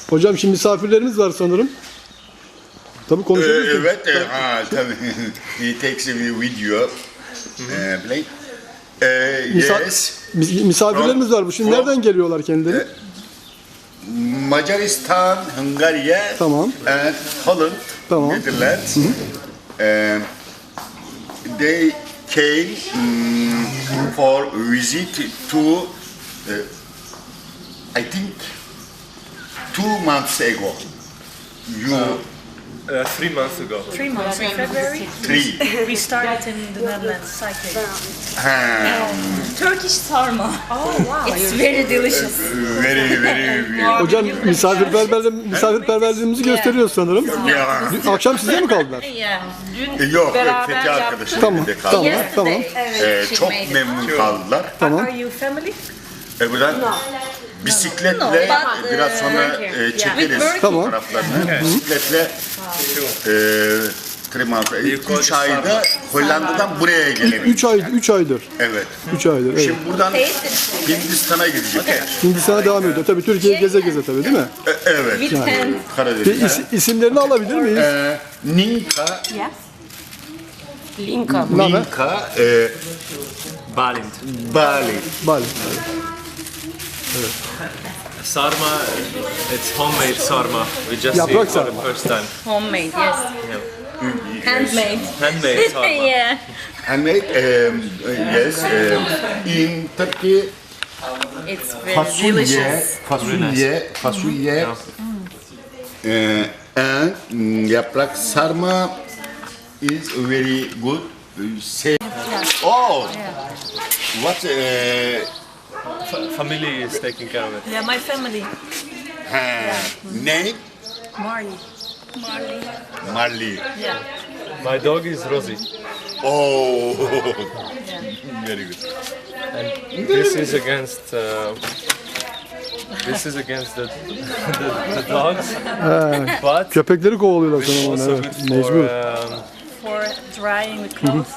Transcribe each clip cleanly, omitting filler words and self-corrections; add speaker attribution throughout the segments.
Speaker 1: Hocam şimdi misafirlerimiz var sanırım. Tabii konuşabilirsiniz.
Speaker 2: Evet, tabii. He takes a video. Play. Yes.
Speaker 1: Misafirlerimiz var bu. Şimdi nereden geliyorlar kendileri?
Speaker 2: Macaristan, Hungary,
Speaker 1: Tamam.
Speaker 2: and Holland,
Speaker 1: Tamam.
Speaker 2: Netherlands. They came for visit to, I think, 2 months ago. You
Speaker 3: 3 months ago.
Speaker 4: 3 months in February.
Speaker 2: 3.
Speaker 4: We started in the Netherlands cycling.
Speaker 5: Turkish sarma.
Speaker 4: Oh wow!
Speaker 5: It's very delicious.
Speaker 2: Very.
Speaker 1: Hocam misafirperverliğimizi gösteriyoruz sanırım.
Speaker 2: Yeah.
Speaker 1: Akşam sizde mi kaldılar?
Speaker 5: Yeah. Dün
Speaker 2: Yok,
Speaker 5: beraber
Speaker 2: Fethi
Speaker 5: yaptık.
Speaker 2: arkadaşım
Speaker 1: Tamam,
Speaker 2: evde kaldı.
Speaker 1: tamam,
Speaker 5: Yesterday.
Speaker 1: tamam.
Speaker 5: Evet, she
Speaker 2: Çok
Speaker 5: made it.
Speaker 2: memnun kaldılar.
Speaker 1: Tamam.
Speaker 4: Are you family?
Speaker 2: Buradan bisikletle
Speaker 5: No, but,
Speaker 2: biraz sonra çekeriz
Speaker 5: With
Speaker 1: Tamam.
Speaker 2: fotoğraflarını. Bisikletle 3 ayda Hollanda'dan buraya gelebildik.
Speaker 1: 3 aydır.
Speaker 2: Evet.
Speaker 1: 3 aydır. Evet.
Speaker 2: Şimdi buradan Hindistan'a gidecekler.
Speaker 1: Hindistan'a devam ediyor. Tabii Türkiye'yi geze geze tabii değil mi?
Speaker 2: Evet.
Speaker 5: With tent.
Speaker 2: Karadeniz.
Speaker 1: İsimlerini alabilir miyiz?
Speaker 2: Ninka,
Speaker 5: Linka.
Speaker 2: Ninka,
Speaker 3: Balint.
Speaker 2: Bali.
Speaker 1: Bali.
Speaker 3: Sarma, it's homemade sarma. We just
Speaker 1: Yaprak
Speaker 3: ate for the
Speaker 1: sarma.
Speaker 3: first time.
Speaker 5: Homemade, yes. Handmade.
Speaker 3: Handmade sarma.
Speaker 5: Yeah.
Speaker 2: Handmade, yes. In Turkey,
Speaker 5: It's very delicious.
Speaker 2: fasulye, and yaprak sarma is very good. Say, oh, what
Speaker 3: Family is taking care of it.
Speaker 4: Yeah, my family.
Speaker 2: name?
Speaker 4: Marley.
Speaker 2: Marley.
Speaker 4: Yeah.
Speaker 3: My dog is Rosie.
Speaker 2: Oh, very good.
Speaker 3: And this is against the dogs. But
Speaker 1: Köpekleri kovalıyorlar
Speaker 3: it's
Speaker 1: sanırım.
Speaker 3: also
Speaker 1: Evet.
Speaker 3: good for
Speaker 1: Mecbur.
Speaker 4: For drying the clothes.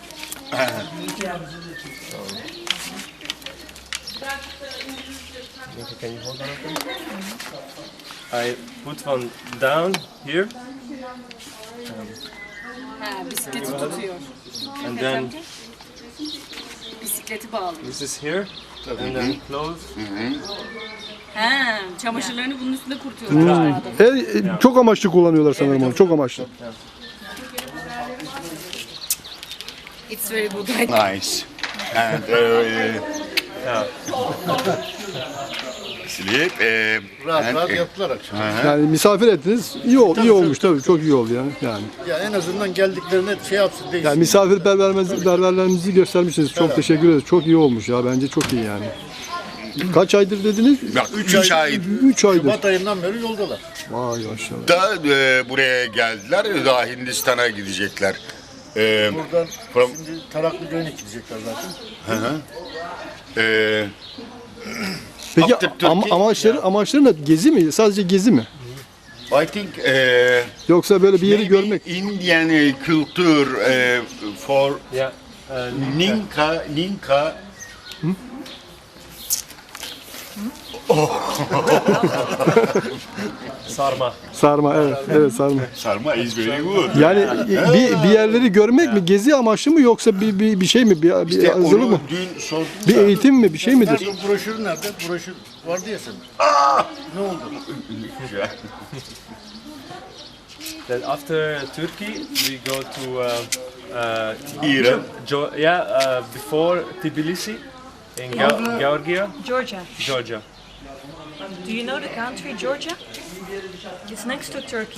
Speaker 3: Can you hold on open? I put one down here
Speaker 5: Bisikleti tutuyor.
Speaker 3: and then
Speaker 5: Bisikleti bağlı.
Speaker 3: this is here and then close.
Speaker 5: Ha, çamaşırlarını bunun üstünde kurutuyor.
Speaker 1: Çok amaçlı kullanıyorlar sanırım onu. Çok amaçlı.
Speaker 5: It's very good.
Speaker 2: Nice. And
Speaker 3: Yeah.
Speaker 2: sleep.
Speaker 6: Rahat yaptılar akşam.
Speaker 1: Yani misafir ettiniz. İyi olmuş tabii. Çok iyi oldu yani.
Speaker 6: Ya en azından geldiklerine şey yapsın değilsin.
Speaker 1: Yani misafirperverliğimizi göstermişsiniz. Çok teşekkür ederiz. Çok iyi olmuş ya. Bence çok iyi yani. Kaç aydır dediniz?
Speaker 2: 3 ay
Speaker 1: 3 aydır.
Speaker 6: Şubat ayından beri yoldalar.
Speaker 1: Vay maşallah.
Speaker 2: da buraya geldiler. Daha Hindistan'a gidecekler.
Speaker 6: Buradan
Speaker 2: From,
Speaker 6: şimdi Taraklı Göyü'ne gidecekler zaten.
Speaker 1: Peki
Speaker 2: After Turkey-
Speaker 1: amaçları ne? Gezi mi? Sadece gezi mi?
Speaker 2: I think
Speaker 1: Yoksa böyle bir yeri
Speaker 2: maybe
Speaker 1: görmek.
Speaker 2: Indian culture for
Speaker 3: Yeah.
Speaker 2: Ninka.
Speaker 3: Sarma.
Speaker 1: Sarma evet. Evet sarma.
Speaker 2: Sarma is very good.
Speaker 1: Yani bir yerleri görmek mi? Gezi amaçlı mı yoksa bir şey mi? Bir hazırlık
Speaker 2: Onu
Speaker 1: mı?
Speaker 2: dün sordum.
Speaker 1: Bir eğitim mi? Bir şey midir?
Speaker 6: Nerede o broşür nerede? Broşür vardı ya senin. Ne oldu?
Speaker 3: Then after Turkey, we go to
Speaker 2: İran.
Speaker 3: before Tbilisi in Georgia,
Speaker 4: Georgia.
Speaker 3: Georgia.
Speaker 4: Do you know the country Georgia? It's next to Turkey.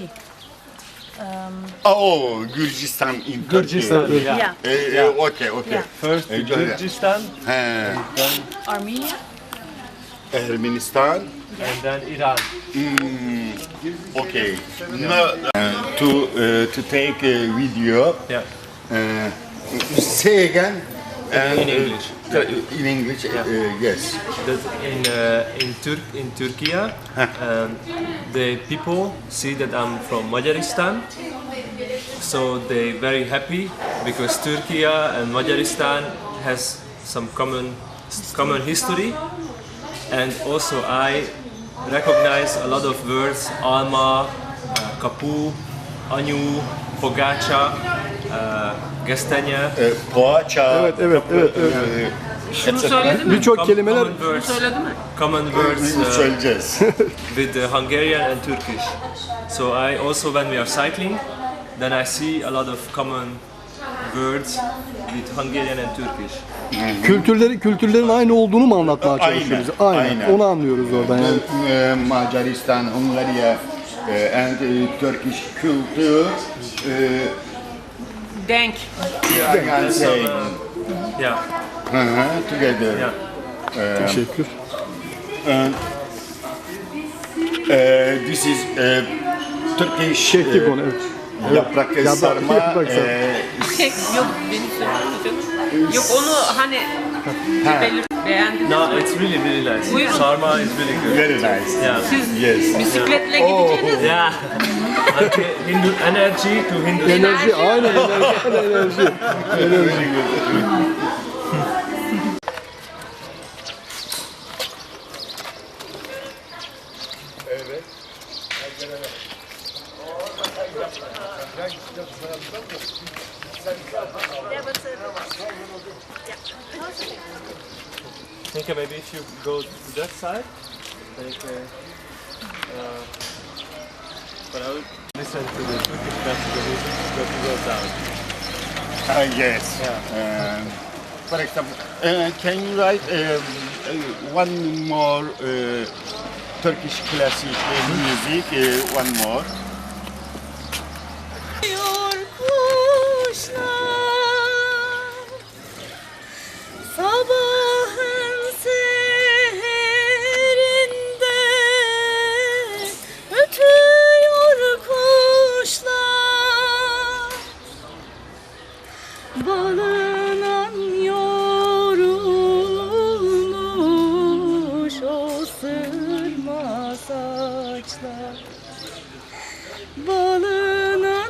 Speaker 2: Oh, Gürcistan in
Speaker 1: Gürcistan,
Speaker 2: Turkey.
Speaker 4: Yeah.
Speaker 2: Okay.
Speaker 4: Yeah.
Speaker 3: First Kyrgyzstan
Speaker 2: He.
Speaker 4: Armenia.
Speaker 2: Ermenistan.
Speaker 3: and then Iran.
Speaker 2: Okay. No, to take a video.
Speaker 3: Yeah.
Speaker 2: Say again.
Speaker 3: In English.
Speaker 2: In English. Yes.
Speaker 3: That in Turkey, the people see that I'm from Majaristan, so they very happy because Turkey and Majaristan has some common history, and also I recognize a lot of words: alma, kapu, anyu, pogacha, gestanya.
Speaker 2: Poğaça.
Speaker 1: Evet, evet, evet, evet.
Speaker 5: Şunu söyledi mi?
Speaker 1: Birçok kelimeler
Speaker 3: Common words,
Speaker 5: Söyledi mi?
Speaker 3: common words
Speaker 2: Söyleyeceğiz.
Speaker 3: with Hungarian and Turkish. So I also, when we are cycling, then I see a lot of common words with Hungarian and Turkish.
Speaker 1: kültürlerin aynı olduğunu mu anlatmaya
Speaker 2: Aynen,
Speaker 1: çalışıyoruz? Aynen.
Speaker 2: aynen.
Speaker 1: Onu anlıyoruz oradan yani.
Speaker 2: Macaristan, Hungary, and Turkish culture.
Speaker 5: Denk.
Speaker 2: I can say
Speaker 3: Yeah,
Speaker 2: together.
Speaker 3: yeah.
Speaker 1: Teşekkür.
Speaker 2: This is Turkish
Speaker 1: Şehki konu, evet.
Speaker 2: yaprak sarma.
Speaker 1: yaprak sarma.
Speaker 5: Yok benim söylediğim. Yok onu hani beğendiniz
Speaker 3: No,
Speaker 5: mi?
Speaker 3: it's really nice.
Speaker 5: Buyurun.
Speaker 3: Sarma is really good.
Speaker 2: Very nice.
Speaker 3: Yeah.
Speaker 5: Siz
Speaker 2: Yes.
Speaker 5: bisikletle gideceğiniz
Speaker 3: Yeah. Okay, Hindu energy to Hindu.
Speaker 1: Enerji, aynen enerji.
Speaker 3: I think maybe if you go to that side, like, but I would listen to the Turkish classical music that goes down.
Speaker 2: Yes. For example, can you write one more Turkish classic music? One more.
Speaker 7: Sabahın seherinde ötüyor kuşlar, balınan yorulmuş o sırma saçlar, balınan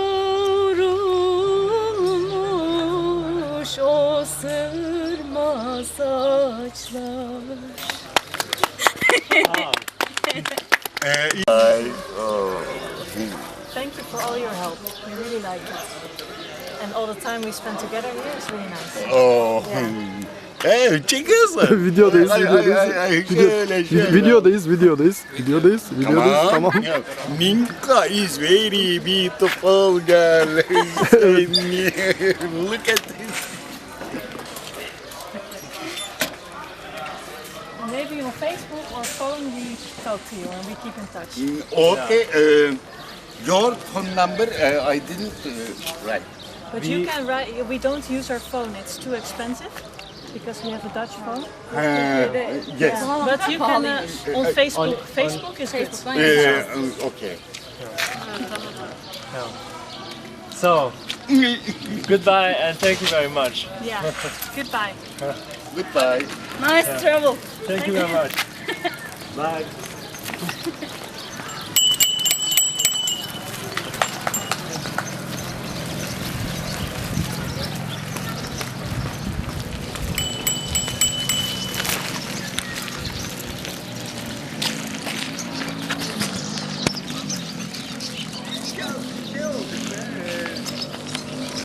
Speaker 7: yorulmuş o sırma saçlar.
Speaker 4: Thank you for all your help. We really like it. And all the time we spent together here is really nice.
Speaker 2: Oh. Hey, çekiyorsun.
Speaker 1: Videodayız.
Speaker 2: Videodayız.
Speaker 1: Videodayız. Tamam.
Speaker 2: Minka is very beautiful girl. Look at this.
Speaker 4: Maybe on Facebook or phone we talk to you and we keep in touch.
Speaker 2: Okay. Your phone number I didn't write.
Speaker 4: But you can write, we don't use our phone, it's too expensive because we have a Dutch phone.
Speaker 2: Yes.
Speaker 4: But you can on Facebook, Facebook is good.
Speaker 2: Okay.
Speaker 3: So, goodbye and thank you very much.
Speaker 4: Yeah, goodbye.
Speaker 2: Goodbye.
Speaker 7: Nice travel.
Speaker 3: Thank you very much. Bye.